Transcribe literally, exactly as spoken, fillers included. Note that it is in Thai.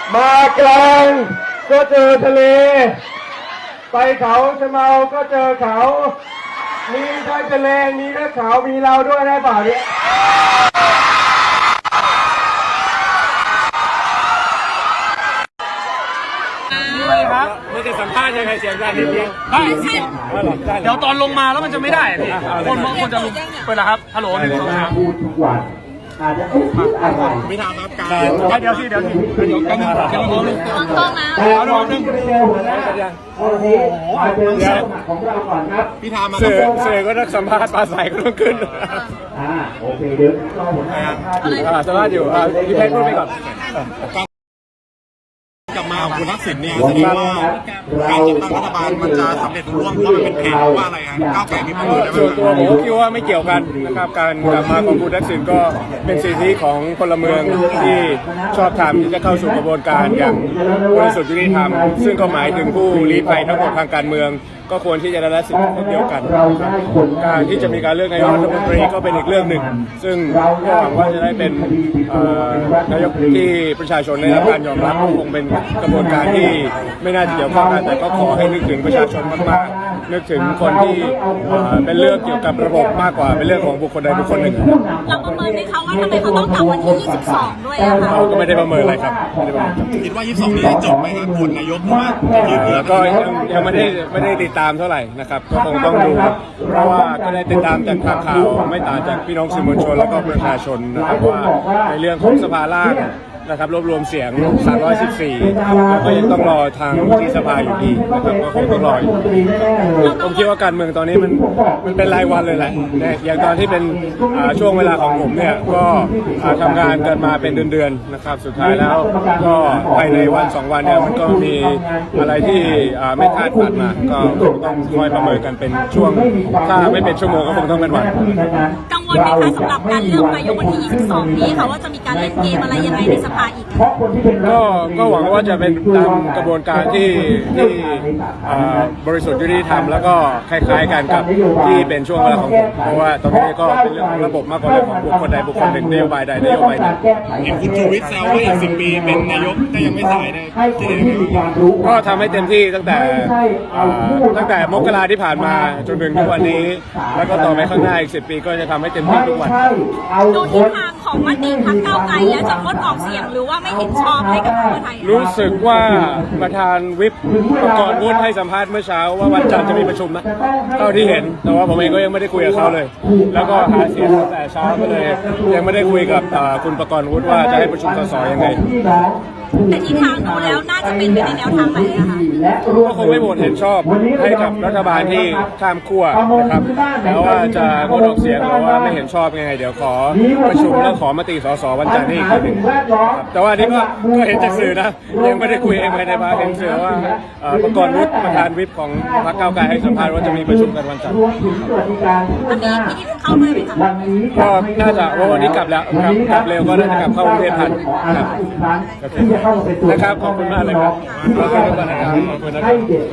มากลางก็เจอทะเลไปเขาชะเมาก็เจอเขามีทั้งทะเลมีทั้งเขามีเราด้วยได้เปล่าเนี่ยครับไม่ได้สัมภาษณ์ยังไงเสียงดังนิดเดียวได้เดี๋ยวตอนลงมาแล้วมันจะไม่ได้พี่คนบางคนจะลุกไปแล้วครับฮัลโหลหนึ่งสองสามพูดทุกวันอาจจะเอ๊ะอะไรไม่ทำครับการเดี๋ยวที่เดี๋ยวที่เดี๋ยวกันเดี๋ยวเราลงต้องนะแต่เราจะไปเจอหัวหน้าวันนี้มาเจอผู้สมัครของเราก่อนครับพี่ทามาเสือเสือก็ต้องสัมภาษณ์ปลาใสก็ต้องขึ้นอ่าโอเคเดี๋ยวรอหัวหน้าสัมภาษณ์อยู่พี่เพชรพูดไปก่อนกลับมาของคุณทักษิณเนี่ยแสดงว่าการจัดตั้งรัฐบาลมันจะสำเร็จรุ่ร่วงเพราะมันเป็นเพจว่าอะไรฮะก้าวไกลมีประโยชน์ส่วนตัวผมก็คิดว่าไม่เกี่ยวกันนะครับการกลับมาของคุณทักษิณก็เป็นสิทธิของพลเมืองที่ชอบธรรมที่จะเข้าสู่กระบวนการอย่างบริสุทธิ์ยุติธรรมซึ่งก็หมายถึงผู้ลี้ภัยทั้งหมดทางการเมืองก็ควรที่จะได้รับสิทธิเดียวกันการที่จะมีการเลือกนายกรัฐมนตรีก็เป็นอีกเรื่องหนึ่งซึ่งก็หวังว่าจะได้เป็นนายกที่ประชาชนได้รับการยอมรับคงเป็นกระบวนการที่ไม่น่าจะเกี่ยวข้องกันแต่ก็ขอให้นึกถึงประชาชนมากๆนึกถึงคนที่เป็นเรื่องเกี่ยวกับระบบมากกว่าเป็นเรื่องของบุคคลใดบุคคลหนึ่งเราประเมินไหมคะว่าทำไมเขาต้องกลับวันที่ยี่สิบสองด้วยอะคะเราก็ไม่ได้ประเมินอะไรครับคิดว่ายี่สิบสองนี้จบไหมครับผลนายกว่าแล้วก็ยังยังไม่ได้ไม่ได้ติดตามเท่าไหร่นะครับก็คงต้องดูเพราะว่าก็ได้ติดตามจากข่าวไม่ต่างจากพี่น้องสื่อมวลชนแล้วก็ประชาชนนะครับว่าในเรื่องของสภาล่างนะครับรวบรวมเสียงสามร้อยสิบสี่แล้วก็ยังต้องรอทางที่สภาอยู่ดีนะครับก็คงต้องรอผมคิดว่าการเมืองตอนนี้มันมันเป็นรายวันเลยแหละอย่างตอนที่เป็นช่วงเวลาของผมเนี่ยก็ทำงานกันมาเป็นเดือนๆนะครับสุดท้ายแล้วก็ภายในวันสองวันเนี่ยมันก็มีอะไรที่ไม่คาดฝันมาก็ต้องคอยประเมินกันเป็นช่วงถ้าไม่เป็นชั่วโมงก็คงต้องเป็นวันกังวลไหมคะสำหรับการเลือกนายกวันที่ยี่สิบสองนี้ค่ะว่าจะมีการเล่นเกมอะไรยังไงในสภาอีกก็ก็หวังว่าจะเป็นตามกระบวนการที่ที่บริสุทธิ์ยุติธรรมแล้วก็คล้ายๆกันกับที่เป็นช่วงเวลาของผมเพราะว่าตอนนี้ก็เป็นเรื่องของระบบมากกว่าเรื่องของบุคคลใดบุคคลหนึ่งนโยบายใดนโยบายหนึ่งเห็นคุณชูวิทย์แซวว่าอีกสิบปีเป็นนายกก็ยังไม่สายเลยก็ทำให้เต็มที่ตั้งแต่ตั้งแต่มกราที่ผ่านมาจนถึงทุกวันนี้แล้วก็ต่อไปข้างหน้าอีกสิบปีก็จะทำให้เต็มที่ทุกวันดูทิศทางของมติพรรคก้าวไกลแล้วจะงดออกเสียงหรือว่าไม่เห็นชอบให้กับเพื่อไทยรู้สึกว่าประธานวิปประกรณ์วุฒิให้สัมภาษณ์เมื่อเช้าว่าวันจันทร์จะมีประชุมนะเท่าที่เห็นแต่ว่าผมเองก็ยังไม่ได้คุยกับเขาเลยแล้วก็หาเสียงตั้งแต่เช้าก็เลยยังไม่ได้คุยกับคุณประกรณ์วุฒิว่าจะให้ประชุมสสยังไงแต่ทิศทางดูแล้วน่าจะเป็นไปในแนวทางไหนอะคะก็คงไม่โหวตเห็นชอบให้กับรัฐบาลที่ข้ามขั้วนะครับแล้วว่าจะงดออกเสียงหรือว่าไม่เห็นชอบยังไงเดี๋ยวขอประชุมแล้วขอมติสสวันจันทร์นี้อีกทีหนึ่งแต่ว่านี่ก็ก็เห็นจากสื่อนะยังไม่ได้คุยเองภายในพรรคเห็นสื่อว่าประกรณ์วุฒิประธานวิปของพรรคก้าวไกลให้สัมภาษณ์ว่าจะมีประชุมกันวันจันทร์วันนี้พี่ที่เข้าด้วยไหมคะก็น่าจะว่าวันนี้กลับแล้วกลับเร็วก็น่าจะกลับเข้ากรุงเทพทันครับนะครับขอบคุณมากเลยครับขอบคุณนะครับขอบคุณนะครับ